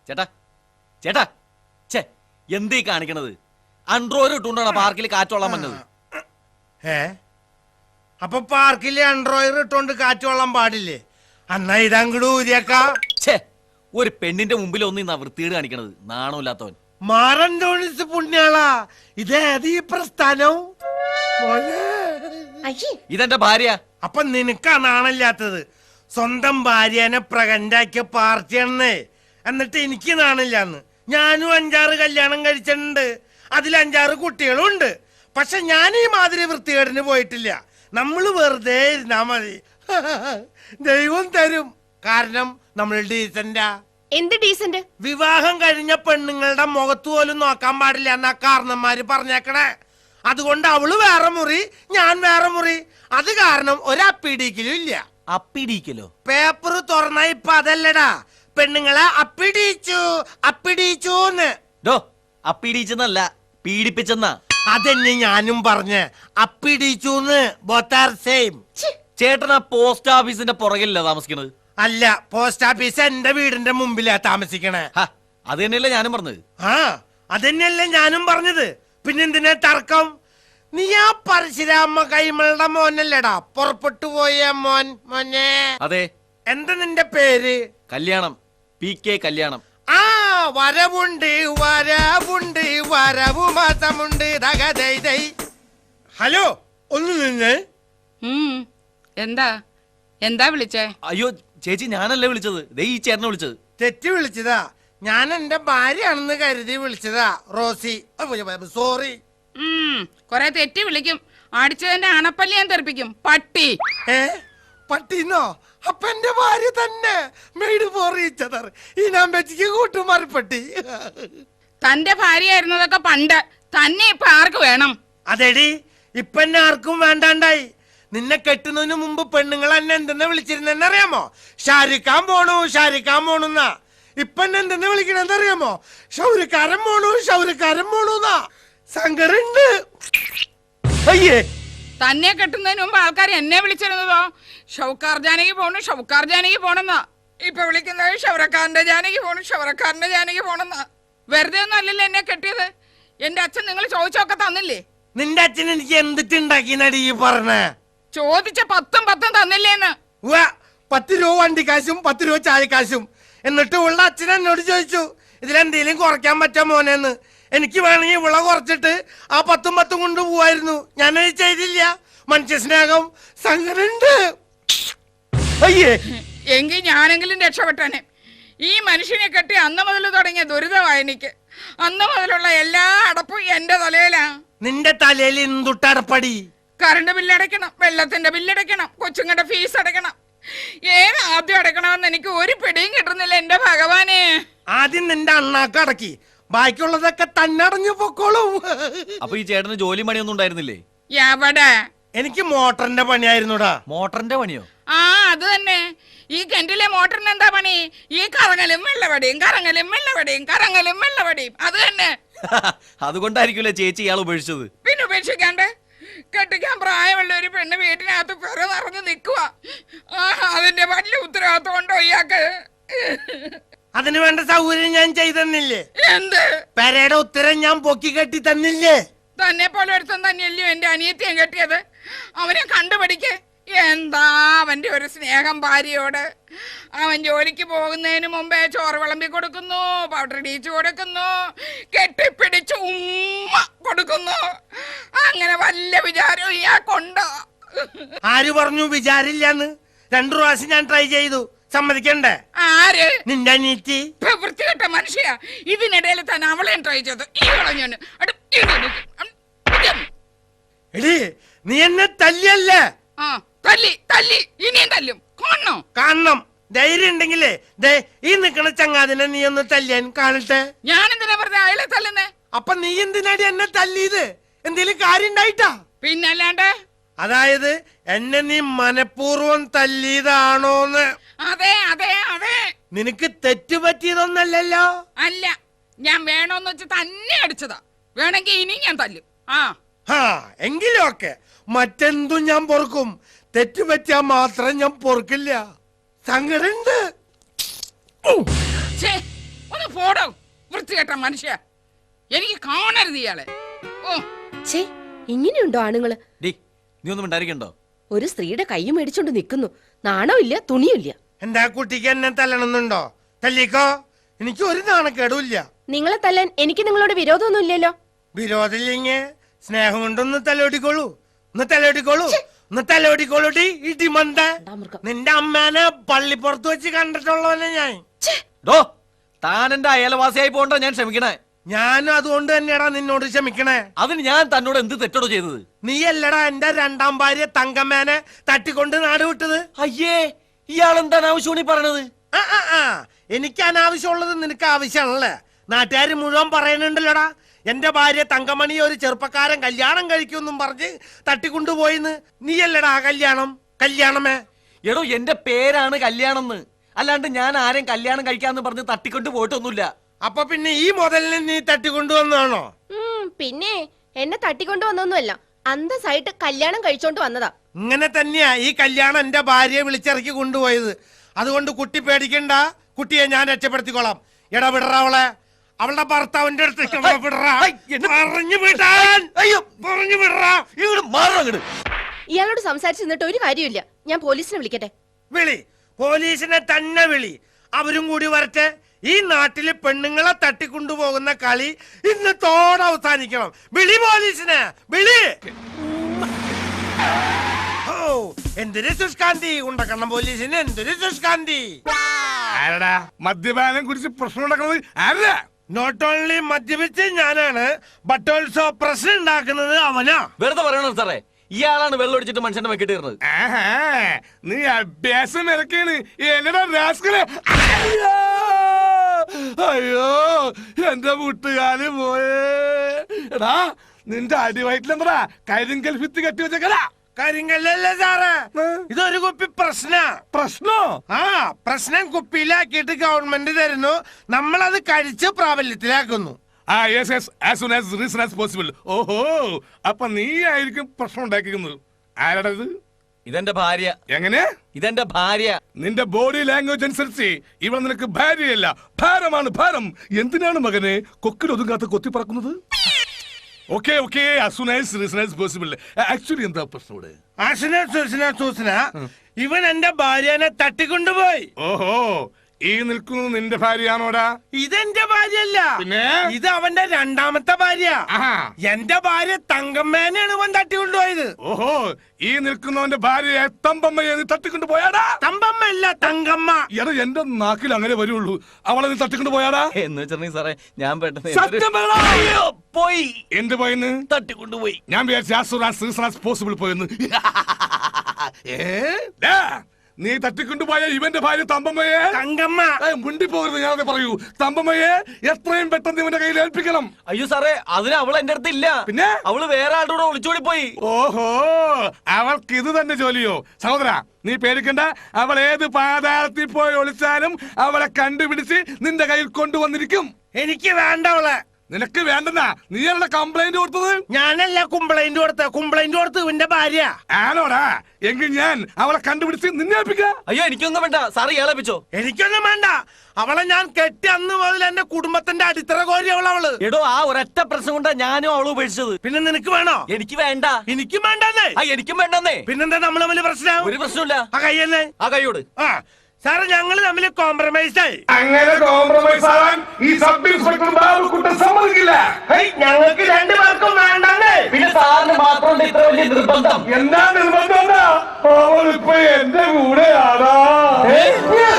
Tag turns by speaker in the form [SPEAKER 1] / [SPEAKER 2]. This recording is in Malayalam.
[SPEAKER 1] ചേട്ടാ ചേട്ടാ ചേ എന്തീ കാണിക്കണത്? അൺട്രോയിൽ ഇട്ടുകൊണ്ടാണ് പാർക്കിൽ കാറ്റോളാൻ വന്നത്.
[SPEAKER 2] അപ്പൊ പാർക്കില് അൺട്രോയർ ഇട്ടോണ്ട് കാറ്റോളാൻ പാടില്ലേ? അന്നാ ഇതങ്ങട് ഊരിയേക്കാ.
[SPEAKER 1] ഛേ, ഒരു പെണ്ണിന്റെ മുമ്പിൽ ഒന്നും വൃത്തികേട് കാണിക്കണത്. നാണമില്ലാത്തവൻ.
[SPEAKER 2] മാറന്തോണിസ് പുണ്യാളാ, ഇതേത് ഈ പ്രസ്ഥാനം?
[SPEAKER 1] ഇതെന്റെ ഭാര്യ.
[SPEAKER 2] അപ്പൊ നിനക്കാ നാണില്ലാത്തത്? സ്വന്തം ഭാര്യനെ പ്രകണ്ടാക്കിയ പാർട്ടിയാണെന്നേ. എന്നിട്ട് എനിക്ക് നാണില്ലാന്ന്. ഞാനും 5-6 കല്യാണം കഴിച്ചിട്ടുണ്ട്, അതിൽ 5-6 കുട്ടികളും ഉണ്ട്. പക്ഷെ ഞാൻ ഈ മാതിരി വൃത്തികേടിന് പോയിട്ടില്ല. നമ്മള് വെറുതെ ഇരുന്നാ മതി, ദൈവം തരും. കാരണം നമ്മൾ ഡീസന്റാ.
[SPEAKER 3] എന്ത് ഡീസന്റ്?
[SPEAKER 2] വിവാഹം കഴിഞ്ഞ പെണ്ണുങ്ങളുടെ മുഖത്ത് പോലും നോക്കാൻ പാടില്ല എന്നാ കാരണന്മാര് പറഞ്ഞേക്കണേ. അതുകൊണ്ട് അവള് വേറെ മുറി, ഞാൻ വേറെ മുറി. അത് കാരണം ഒരപ്പിടിക്കലും ഇല്ല.
[SPEAKER 1] അപ്പിടിക്കലോ?
[SPEAKER 2] പേപ്പർ തുറന്ന ഇപ്പൊ അതല്ലടാ, പെണ്ണുങ്ങളെ അപ്പിടിച്ചു അപ്പിടിച്ചൂന്ന്.
[SPEAKER 1] അപ്പിടിച്ചെന്നല്ല, പീഡിപ്പിച്ചെന്നാ.
[SPEAKER 2] അതെന്നെ ഞാനും പറഞ്ഞ്, അപ്പിടിച്ചൂന്ന്. Both are same.
[SPEAKER 1] ചേട്ടൻ ആ പോസ്റ്റ് ഓഫീസിന്റെ പുറകിലല്ല താമസിക്കണത്?
[SPEAKER 2] അല്ല, പോസ്റ്റ് ഓഫീസ് എന്റെ വീടിന്റെ മുമ്പിലാ താമസിക്കണേ.
[SPEAKER 1] അത് തന്നെയല്ലേ ഞാനും പറഞ്ഞത്.
[SPEAKER 2] ആ അതന്നെയല്ലേ ഞാനും പറഞ്ഞത്. പിന്നെന്തിനാ തർക്കം? നീ ആ പരശുരാമ കൈമളുടെ മോനല്ലേടാ പുറപ്പെട്ടു പോയ മോൻ? മോനെ.
[SPEAKER 1] അതെ.
[SPEAKER 2] എന്താ നിന്റെ പേര്?
[SPEAKER 1] കല്യാണം. PK കല്യാണം.
[SPEAKER 2] ആ വരവുണ്ട് വരവുണ്ട് വരവു മാസമുണ്ട്. ഹലോ, ഒന്ന് നിന്ന്.
[SPEAKER 4] എന്താ എന്താ വിളിച്ചേ?
[SPEAKER 1] അയ്യോ ചേച്ചി, ഞാനല്ലേ വിളിച്ചത്. ദേ ഈ ചേട്ടനെ വിളിച്ചത്.
[SPEAKER 2] തെറ്റി വിളിച്ചതാ. ഞാൻ എന്റെ ഭാര്യയാണെന്ന് കരുതി വിളിച്ചതാ. Rosie, sorry.
[SPEAKER 4] കൊറേ തെറ്റി വിളിക്കും. അടിച്ചതിന്റെ അണപ്പല്ലി ഞാൻ തെറിപ്പിക്കും. പട്ടി.
[SPEAKER 2] പട്ടിന്നോ? അപ്പൊ എന്റെ ഭാര്യ തന്നെ. Made for each other. ഈ നമ്പച്ചിക്ക് കൂട്ടുമാറിപ്പട്ടി.
[SPEAKER 4] തന്റെ ഭാര്യയായിരുന്നതൊക്കെ പണ്ട്. തന്നെ ഇപ്പൊ ആർക്ക് വേണം?
[SPEAKER 2] അതെടി, ഇപ്പൊ എന്നെ ആർക്കും വേണ്ടാണ്ടായി. നിന്നെ കെട്ടുന്നതിന് മുമ്പ് പെണ്ണുങ്ങൾ എന്നെ എന്തെന്ന് വിളിച്ചിരുന്നെന്നറിയാമോ? ഷാരിക്കാൻ പോണു ഷാരിക്കാൻ പോണുന്നാ. ഇപ്പൊ എന്നെ എന്തെന്ന് വിളിക്കണെന്നറിയാമോ? ഷൗരിക്കാരൻ പോണു ഷൗരിക്കാരൻ പോണുന്നാ. സങ്കടുണ്ട്.
[SPEAKER 1] അയ്യേ,
[SPEAKER 4] തന്നെ കെട്ടുന്നതിന് മുമ്പ് ആൾക്കാർ എന്നെ വിളിച്ചിരുന്നതോ ഷൗക്കാർ ജാനകി പോണു ഷൗക്കാർ ജാനകി പോണെന്നാ. ഇപ്പൊ വിളിക്കുന്നത് ഷൗറക്കാരന്റെ ജാനകി പോണു ഷൗറക്കാരന്റെ ജാനകി പോണെന്നാ. വെറുതെ ഒന്നും അല്ലല്ലോ എന്നെ കെട്ടിയത്. എന്റെ അച്ഛൻ നിങ്ങൾ ചോദിച്ചൊക്കെ തന്നില്ലേ?
[SPEAKER 2] നിന്റെ അച്ഛൻ എനിക്ക് എന്തിട്ടുണ്ടാക്കി നടി ഈ പറഞ്ഞേ?
[SPEAKER 4] ചോദിച്ച 10 തന്നില്ലേന്ന്.
[SPEAKER 2] 10 രൂപ വണ്ടിക്കാശും 10 രൂപ ചായക്കാശും. എന്നിട്ട് ഉള്ള അച്ഛൻ എന്നോട് ചോദിച്ചു, ഇതിലെന്തേലും കുറയ്ക്കാൻ പറ്റാ മോനെന്ന്. എനിക്ക് വേണമെങ്കിൽ ഇവളെ കുറച്ചിട്ട് ആ 10 കൊണ്ട് പോവായിരുന്നു. ഞാനത് ചെയ്തില്ല. മനുഷ്യ സ്നേഹം. സങ്കടുണ്ട്.
[SPEAKER 1] അയ്യേ,
[SPEAKER 4] എങ്കിൽ ഞാനെങ്കിലും രക്ഷപ്പെട്ടനെ. ഈ മനുഷ്യനെ കെട്ടി അന്ന് മുതൽ തുടങ്ങിയ ദുരിതമായി എനിക്ക്. അന്ന് മുതലുള്ള എല്ലാ അടപ്പും എന്റെ തലയിലാ.
[SPEAKER 2] നിന്റെ തലയിൽ എന്തുട്ടടപ്പടി?
[SPEAKER 4] കറണ്ട് ബില്ലടയ്ക്കണം, വെള്ളത്തിന്റെ ബില്ലടയ്ക്കണം, കൊച്ചുങ്ങളുടെ ഫീസ് അടയ്ക്കണം. ഏത് ആദ്യം അടയ്ക്കണമെന്ന് എനിക്ക് ഒരു പിടിയും കിട്ടുന്നില്ല എന്റെ ഭഗവാനെ.
[SPEAKER 2] ആദ്യം നിന്റെ അണ്ണാക്ക് അടക്കി, ബാക്കിയുള്ളതൊക്കെ തന്നെ അടഞ്ഞു പൊക്കോളും.
[SPEAKER 1] അപ്പൊ ഈ ചേട്ടന് ജോലി പണിയൊന്നും ഉണ്ടായിരുന്നില്ലേ?
[SPEAKER 4] എവിടെ?
[SPEAKER 2] എനിക്ക് മോട്ടറിന്റെ പണിയായിരുന്നുടാ.
[SPEAKER 1] മോട്ടറിന്റെ പണിയോ?
[SPEAKER 4] ആ അത് തന്നെ. ഈ കിണറ്റിലെ മോട്ടറിന് എന്താ പണി? ഈ കറങ്ങലും വെള്ളവടിയും കറങ്ങലും വെള്ളവടിയും കറങ്ങലും വെള്ളവടിയും. അത് തന്നെ.
[SPEAKER 1] അതുകൊണ്ടായിരിക്കുമല്ലേ ചേച്ചി ഇയാൾ ഉപേക്ഷിച്ചത്?
[SPEAKER 4] പിന്നെ ഉപേക്ഷിക്കാണ്ട്? കെട്ടിക്കാൻ പ്രായമുള്ള ഒരു പെണ്ണ് വീട്ടിനകത്ത് പെറ നിറഞ്ഞു നിൽക്കുക. അതിന്റെ വലിയ ഉത്തരവാദിത്വം ഉണ്ടോ ഇയാൾക്ക്?
[SPEAKER 2] അതിന് വേണ്ട സൗകര്യം ഞാൻ ചെയ്തെന്നില്ലേ?
[SPEAKER 4] എന്ത്?
[SPEAKER 2] പെരയുടെ ഉത്തരം ഞാൻ പൊക്കി കെട്ടി തന്നില്ലേ?
[SPEAKER 4] തന്നെ പോലെ ഒരുത്തൻ തന്നെയല്ലയോ എന്റെ അനിയത്തിയും കെട്ടിയത്. അവനെ കണ്ടുപിടിക്ക്. എന്താ അവന്റെ ഒരു സ്നേഹം ഭാര്യയോട്. അവൻ ജോലിക്ക് പോകുന്നതിന് മുമ്പേ ചോറ് വിളമ്പി കൊടുക്കുന്നു, പൗഡർ ഇടിച്ചു കൊടുക്കുന്നു, കെട്ടിപ്പിടിച്ച് ഉമ്മ കൊടുക്കുന്നു. അങ്ങനെ വല്ല വിചാരവും ഇയാൾക്കുണ്ടോ?
[SPEAKER 2] ആര് പറഞ്ഞു വിചാരില്ലാന്ന്? 2 പ്രാവശ്യം ഞാൻ ട്രൈ ചെയ്തു. സമ്മതിക്കണ്ടേ?
[SPEAKER 4] ആര്?
[SPEAKER 2] നിന്റെ അനിയത്തി.
[SPEAKER 4] വൃത്തികെട്ട മനുഷ്യ. ഇതിനിടയിൽ തന്നെ അവളെയും ട്രൈ ചെയ്തു.
[SPEAKER 2] എടി, നീ എന്നെ തല്ലിയല്ലേ?
[SPEAKER 4] തല്ലി തല്ലി ഇനിയും തല്ലും. കാണണോ?
[SPEAKER 2] കാണണം. ധൈര്യം ഉണ്ടെങ്കിലേ ദേ ഈ നിക്കണ ചങ്ങാതിനെ നീ ഒന്ന് തല്ലിയാൻ കാണട്ടെ.
[SPEAKER 4] ഞാൻ എന്തിനാ പറഞ്ഞ അയാളെ തല്ലുന്നേ?
[SPEAKER 2] അപ്പൊ നീ എന്തിനാടി എന്നെ തല്ലിയത്? എന്തേലും കാര്യം ഉണ്ടായിട്ടാ?
[SPEAKER 4] പിന്നല്ലാണ്ട്.
[SPEAKER 2] അതായത് എന്നെ നീ മനഃപൂർവ്വം തല്ലിയതാണോന്ന്?
[SPEAKER 4] അതെ അതെ അതെ.
[SPEAKER 2] നിനക്ക് തെറ്റുപറ്റിയതൊന്നല്ലല്ലോ?
[SPEAKER 4] അല്ല, ഞാൻ വേണോന്ന് വെച്ച് തന്നെ അടിച്ചതാ. വേണമെങ്കിൽ ഇനി ഞാൻ തല്ലും.
[SPEAKER 2] എങ്കിലും ഒക്കെ മറ്റെന്തും ഞാൻ പൊറുക്കും. തെറ്റുപറ്റിയാ മാത്രം ഞാൻ പൊറുക്കില്ല. സങ്കടുണ്ട്.
[SPEAKER 4] ഒന്ന് ഒന്ന് പോടോ വൃത്തികെട്ട മനുഷ്യ. എനിക്ക് കാണരുത് ഇയാളെ. ഓ
[SPEAKER 3] ഛേ, ഇങ്ങനെയുണ്ടോ ആണുങ്ങള്?
[SPEAKER 1] ഡി നീ ഒന്നും ഉണ്ടായിരിക്കണ്ടോ?
[SPEAKER 3] ഒരു സ്ത്രീയുടെ കൈ മേടിച്ചോണ്ട് നിൽക്കുന്നു. നാണമില്ല, തുണിയില്ല.
[SPEAKER 2] എന്താ കുട്ടിക്ക് എന്നെ തല്ലണമെന്നുണ്ടോ? തല്ലിക്കോ, എനിക്ക് ഒരു നാണക്കേടുമില്ല.
[SPEAKER 3] നിങ്ങളെ തല്ലാൻ എനിക്ക് നിങ്ങളോട് വിരോധമൊന്നുമില്ലല്ലോ.
[SPEAKER 2] വിരോധമില്ലെങ്കിൽ സ്നേഹം കൊണ്ടൊന്ന് തലോടിക്കോളൂ. ഒന്ന് തലോടിക്കോളൂ, ഒന്ന് തലോടിക്കോളൂടി. ഇടിമന്ത, നിന്റെ അമ്മേനെ പള്ളിപ്പുറത്ത് വെച്ച് കണ്ടിട്ടുള്ളവനെ ഞാൻ.
[SPEAKER 1] ഡോ താൻ എന്റെ അയൽവാസിയായി പോകണ്ടോ ഞാൻ ക്ഷമിക്കണേ.
[SPEAKER 2] ഞാനും അതുകൊണ്ട് തന്നെയാടാ നിന്നോട് ക്ഷമിക്കണേ.
[SPEAKER 1] അതിന് ഞാൻ തന്നോട് എന്ത് തെറ്റോടോ ചെയ്തത്?
[SPEAKER 2] നീയല്ലടാ എന്റെ രണ്ടാം ഭാര്യ തങ്കമ്മേനെ തട്ടിക്കൊണ്ട് നാട് വിട്ടത്.
[SPEAKER 1] അയ്യേ, ഇയാൾ എന്താണ് ആവശ്യമാണ് ഈ പറയണത്?
[SPEAKER 2] എനിക്ക് അനാവശ്യമുള്ളത് നിനക്ക് ആവശ്യമാണല്ലേ? നാട്ടുകാർ മുഴുവൻ പറയുന്നുണ്ടല്ലോടാ, എന്റെ ഭാര്യ തങ്കമണി ഒരു ചെറുപ്പക്കാരൻ കല്യാണം കഴിക്കുമെന്നും പറഞ്ഞ് തട്ടിക്കൊണ്ടുപോയിന്ന്. നീയല്ലടാ ആ കല്യാണമേ.
[SPEAKER 1] എടോ എന്റെ പേരാണ് കല്യാണം എന്ന്, അല്ലാണ്ട് ഞാൻ ആരെയും കല്യാണം കഴിക്കാന്ന് പറഞ്ഞ് തട്ടിക്കൊണ്ട് പോയിട്ടൊന്നുമില്ല.
[SPEAKER 2] അപ്പൊ പിന്നെ ഈ മുതലിനെ നീ തട്ടിക്കൊണ്ടുവന്നാണോ?
[SPEAKER 3] പിന്നെ എന്നെ തട്ടിക്കൊണ്ടുവന്നൊന്നുമല്ല, അന്തസ്സായിട്ട് കല്യാണം കഴിച്ചോണ്ട് വന്നതാ.
[SPEAKER 2] ഇങ്ങനെ തന്നെയാ ഈ കല്യാണം എന്റെ ഭാര്യയെ വിളിച്ചിറക്കി കൊണ്ടുപോയത്. അതുകൊണ്ട് കുട്ടി പേടിക്കണ്ട, കുട്ടിയെ ഞാൻ രക്ഷപ്പെടുത്തിക്കോളാം. എടാ വിടറ അവളെ, അവളുടെ ഭർത്താവിന്റെ അടുത്ത് പറഞ്ഞു വിടാൻ. പറഞ്ഞു വിടറാ.
[SPEAKER 3] ഇയാളോട് സംസാരിച്ചു നിന്നിട്ട് ഒരു കാര്യമില്ല. ഞാൻ പോലീസിനെ വിളിക്കട്ടെ?
[SPEAKER 2] വിളി, പോലീസിനെ തന്നെ വിളി. അവരും കൂടി വരട്ടെ. ഈ നാട്ടില് പെണ്ണുങ്ങളെ തട്ടിക്കൊണ്ടുപോകുന്ന കളി ഇന്നത്തോടെ അവസാനിക്കണം. വിളി പോലീസിനെ, വിളി. ഓ എന്തൊരു സുഷ്കാന്തി, ഉണ്ടക്കണം പോലീസിന് എന്തൊരു സുഷ്കാന്തി.
[SPEAKER 5] ആരടാ മദ്യപാനം കുറിച്ച് പ്രശ്നം ഉണ്ടാക്കുന്നത്? ആരാ?
[SPEAKER 2] നോട്ട് ഓൺലി മദ്യപിച്ച് ഞാനാണ്, ബട്ട് ഓൾസോ പ്രശ്നം ഉണ്ടാക്കുന്നത് അവനാ.
[SPEAKER 1] വെറുതെ പറയണോ സാറേ, ഇയാളാണ് വെള്ളം ഒടിച്ചിട്ട് മനുഷ്യന്റെ വെക്കിട്ട് ഇരുന്നത്.
[SPEAKER 5] നീ അഭ്യാസം ഇറക്കാണ് എന്നടാ രാസ്കലെ. അയ്യോ എന്റെ വീട്ടുകാര് പോയേ. എടാ നിന്റെ അടിവയറ്റിലെന്താ കരിങ്കൽ ഭിത്തി കെട്ടി വെച്ചേക്കടാ?
[SPEAKER 2] കാര്യങ്ങളല്ലേ സാറേ, ഇതൊരു കുപ്പി
[SPEAKER 5] പ്രശ്നോ?
[SPEAKER 2] പ്രശ്നം കുപ്പിയിലാക്കിയിട്ട് ഗവൺമെന്റ് തരുന്നു, നമ്മളത് കഴിച്ച് പ്രാബല്യത്തിലാക്കുന്നു.
[SPEAKER 5] ഓഹോ, അപ്പൊ നീ ആയിരിക്കും പ്രശ്നം ഉണ്ടാക്കിക്കുന്നത്. ആരാടാ ഇത്?
[SPEAKER 1] ഇതെന്റെ ഭാര്യ.
[SPEAKER 5] എങ്ങനെ?
[SPEAKER 1] ഇതെന്റെ ഭാര്യ.
[SPEAKER 5] നിന്റെ ബോഡി ലാംഗ്വേജ് അനുസരിച്ച് ഇവൾ നിനക്ക് ഭാര്യയല്ല, ഭാരമാണ്, ഭാരം. എന്തിനാണ് മകനെ കൊക്കിൽ ഒതുങ്ങാത്ത കൊത്തി പറക്കുന്നത്? ഓക്കെ ഓക്കെ, ആക്ച്വലി എന്താ പ്രശ്നം ഇവിടെ?
[SPEAKER 2] ഇവൻ എന്റെ ഭാര്യനെ തട്ടിക്കൊണ്ടുപോയി.
[SPEAKER 5] ഓഹോ, ഈ നിൽക്കുന്നത് നിന്റെ ഭാര്യയാണോടാ?
[SPEAKER 2] ഇതെന്റെ ഭാര്യയല്ല,
[SPEAKER 5] പിന്നെ
[SPEAKER 2] ഇത് അവന്റെ രണ്ടാമത്തെ ഭാര്യ. എന്റെ ഭാര്യ തങ്കമ്മേനെയാണ് ഇവൻ തട്ടിക്കൊണ്ടുപോയത്.
[SPEAKER 5] ഓഹോ, ഈ നിൽക്കുന്നവന്റെ ഭാര്യയെ തമ്പമ്മയെ നീ തട്ടിക്കൊണ്ടു പോയാടാ?
[SPEAKER 2] തമ്പമ്മ അല്ല, തങ്കമ്മ.
[SPEAKER 5] എടാ എന്റെ നാക്കിൽ അങ്ങനെ വരുള്ളൂ. അവളെ നീ തട്ടിക്കൊണ്ടു പോയാടാ?
[SPEAKER 1] എന്ന് വെച്ചിട്ടുണ്ടെങ്കിൽ സാറേ ഞാൻ പെട്ടെന്ന്
[SPEAKER 5] പോയി. എന്ത് പോയെന്ന്?
[SPEAKER 1] തട്ടിക്കൊണ്ടുപോയി.
[SPEAKER 5] ഞാൻ വിചാരിച്ചു പോസിബിൾ പോയെന്ന്. നീ തട്ടിക്കൊണ്ടുപോയ ഇവന്റെ ഭാര്യ തമ്പമ്മയെ
[SPEAKER 2] തങ്കമ്മ
[SPEAKER 5] മുണ്ടി പോകരുത്. ഞാനത് പറയൂ, തമ്പമ്മയെ എത്രയും പെട്ടെന്ന് ഇവന്റെ കയ്യിൽ ഏൽപ്പിക്കണം.
[SPEAKER 1] അയ്യോ സാറേ, അതിന് അവൾ എന്റെ അടുത്ത് ഇല്ല.
[SPEAKER 5] പിന്നെ
[SPEAKER 1] അവള് വേറെ ആളുടെ കൂടെ ഒളിച്ചോടി പോയി.
[SPEAKER 5] ഓഹോ, അവൾക്ക് ഇത് തന്നെ ജോലിയോ? സഹോദര നീ പേടിക്കണ്ട, അവൾ ഏത് പാതാളത്തിൽ പോയി ഒളിച്ചാലും അവളെ കണ്ടുപിടിച്ച് നിന്റെ കയ്യിൽ കൊണ്ടുവന്നിരിക്കും.
[SPEAKER 2] എനിക്ക് വേണ്ട അവളെ.
[SPEAKER 5] നിനക്ക് വേണ്ടെന്നാ നീയല്ല കംപ്ലൈന്റ് കൊടുത്തത്?
[SPEAKER 2] ഞാനല്ല കംപ്ലൈന്റ് കൊടുത്ത് ഇവന്റെ ഭാര്യ
[SPEAKER 5] ആണോടാ? എങ്കിൽ ഞാൻ അവളെ കണ്ടുപിടിച്ച് നിന്നെ ഏൽപ്പിക്കാം.
[SPEAKER 1] അയ്യോ എനിക്കൊന്നും വേണ്ട സാറ് ഇയാളേപ്പിച്ചോ.
[SPEAKER 2] എനിക്കൊന്നും വേണ്ട. അവളെ ഞാൻ കെട്ടി അന്ന് മുതൽ എന്റെ കുടുംബത്തിന്റെ അടിത്തറ കോരി അവള്.
[SPEAKER 1] എടോ ആ ഒരൊറ്റ പ്രശ്നം കൊണ്ടാ ഞാനും അവള് ഉപേക്ഷിച്ചത്.
[SPEAKER 2] പിന്നെ നിനക്ക് വേണോ?
[SPEAKER 1] എനിക്ക് വേണ്ട.
[SPEAKER 2] എനിക്കും വേണ്ടെന്നേ.
[SPEAKER 1] എനിക്കും വേണ്ടെന്നേ.
[SPEAKER 2] പിന്നെന്താ നമ്മൾ തമ്മിൽ പ്രശ്നം?
[SPEAKER 1] ഒരു പ്രശ്നമില്ല.
[SPEAKER 2] ആ കയ്യല്ലേ?
[SPEAKER 1] ആ കൈയോട്.
[SPEAKER 2] സാറ് ഞങ്ങള് തമ്മിൽ കോംപ്രമൈസ് ആയി.
[SPEAKER 5] അങ്ങനെ കോംപ്രമൈസ് ആവാൻ ഈ സബ് ഇൻസ്പെക്ടർ ബാബുക്കുട്ടൻ സമ്മതിക്കില്ല.
[SPEAKER 2] ഞങ്ങൾക്ക് രണ്ടുപേർക്കും വേണ്ടെന്നേ.
[SPEAKER 1] പിന്നെ സാറിന് മാത്രം ഇത്ര വലിയ നിർബന്ധം?
[SPEAKER 5] എന്താ നിർബന്ധം? അവളിപ്പോ എന്റെ കൂടെയാണോ?